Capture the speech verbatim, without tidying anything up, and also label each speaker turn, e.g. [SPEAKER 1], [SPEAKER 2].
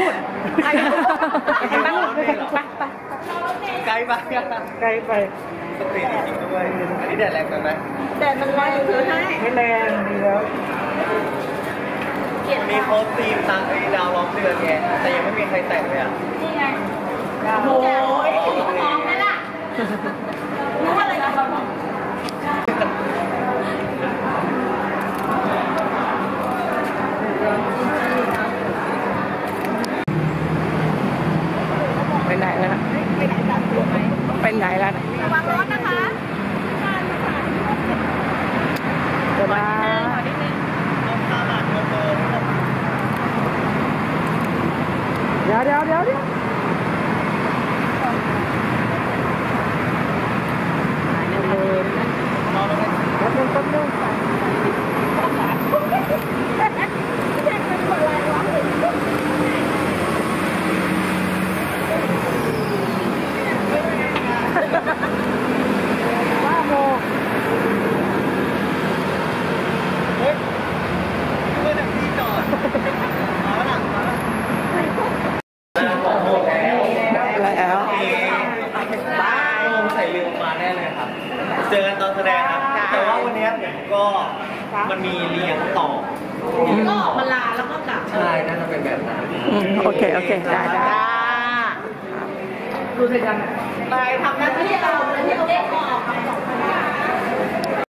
[SPEAKER 1] นู่น
[SPEAKER 2] ไปไปไกลไป
[SPEAKER 1] ไกลไป
[SPEAKER 2] สตรีทจริงๆด้วยอันนี้แดดแรงไปไหม
[SPEAKER 3] แดดมันแรงคือให้
[SPEAKER 1] ไม่แรงดีแล้ว
[SPEAKER 2] มีโค้ดทีมตามไอ้ดาวล้อมเดือนไงแต่ยังไม่มีใครแต่งเลยอ่ะ
[SPEAKER 3] นี่ไงโอ้ยมองนั่นล่ะรู้อะไรกันบ้าง
[SPEAKER 1] ไปไหนแล้วนะไปไหนแล้วนะ
[SPEAKER 3] ระวังรถนะคะ
[SPEAKER 1] เดี๋ยวนะเดี๋ยวเดี๋ยวเดี๋ยวเดี๋ยวแป๊บนึงแป๊บนึงว้าโม
[SPEAKER 2] เฮ้ยเมื่อถึงที่จอดมาหลังมาแล้ว
[SPEAKER 1] แล้ว
[SPEAKER 2] บ้าใส่ลืมมาแน่เลยครับเจอกันตอนแสดงครับแต่ว่าวันนี้ผมก็มันมีเลี้ยงต่อ
[SPEAKER 3] ก็มาลาแล้วก็กลับ
[SPEAKER 2] ใช่น่าจะเป็นแบบนั้น
[SPEAKER 1] โอเคโอเคได้ได้
[SPEAKER 3] ดูสิกันไปทำหน้าที่เราเลยที่เราได้ออกกับสองคน